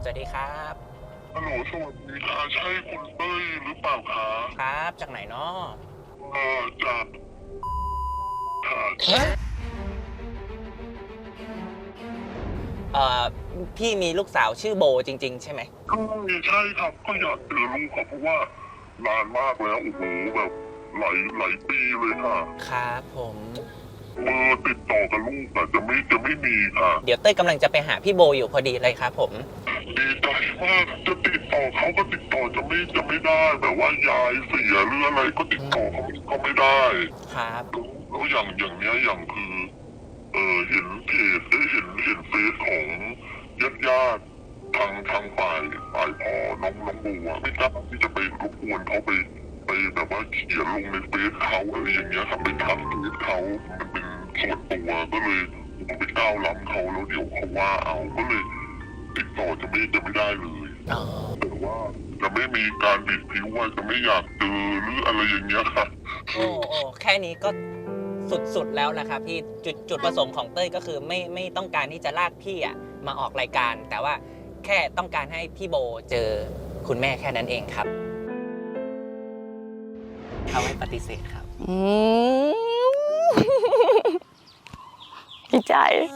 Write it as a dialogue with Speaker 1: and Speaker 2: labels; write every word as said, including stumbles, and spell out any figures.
Speaker 1: วัสดีครับ
Speaker 2: ฮัลโหลสวัสดีค่ะใช่คุณเต้ยหรือเปล่าคะ
Speaker 1: ครับ จากไหนเนาะ
Speaker 2: เอ่อจากค่ะ
Speaker 1: ฮะเอ่อพี่มีลูกสาวชื่อโบจริงๆใช่ไหม
Speaker 2: ใช่ใช่ครับก็อยากเจอลูกครับเพราะว่านานมากแล้วโอ้โหแบบหลายหลายปีเลยค่ะ
Speaker 1: ครับผม
Speaker 2: เบอร์ติดต่อกับลูกอะจะไม่จะไม่มีค่ะ
Speaker 1: เดี๋ยวเต้ยกำลังจะไปหาพี่โบอยู่พอดีเลยครับผม
Speaker 2: ดีใจมากจะติดต่อเขาก็ติดต่อจะไม่จะไม่ได้แบบว่ายายเสียหรืออะไรก็ติดต่อเขาก็ไม่ได้
Speaker 1: ครับ
Speaker 2: แล้วอย่างอย่างเนี้ยอย่างคือ เออเห็นเพจได้เห็นเห็นเฟซของญาติญาติทางทางฝ่ายฝ่ายพ่อน้องน้องบัวไม่กล้าที่จะไปรบกวนเขาไปไปแบบว่าเขียนลงในเฟซเขาอะไรอย่างเงี้ยครับไปทักเฟซเขามันเป็นส่วนตัวก็เลยผมไปก้าวล้ำเขาแล้วเดี๋ยวเขาว่าเอาก็เลยติดต่อจะไม่จะไม่ได้เลย
Speaker 1: อ๋อ
Speaker 2: แต่ว่าจะไม่มีการบิดผิวว่าจะไม่อยากเจอหรืออะไรอย่างเงี้ยครับ
Speaker 1: โอ้โอ้แค่นี้ก็สุดๆแล้วนะครับพี่จุดจุดประสงค์ของเต้ยก็คือไม่ไม่ต้องการที่จะลากพี่อะมาออกรายการ แต่ว่าแค่ต้องการให้พี่โบเจอคุณแม่แค่นั้นเองครับเขาไม่ปฏิเสธครับ
Speaker 3: อืมดีใจ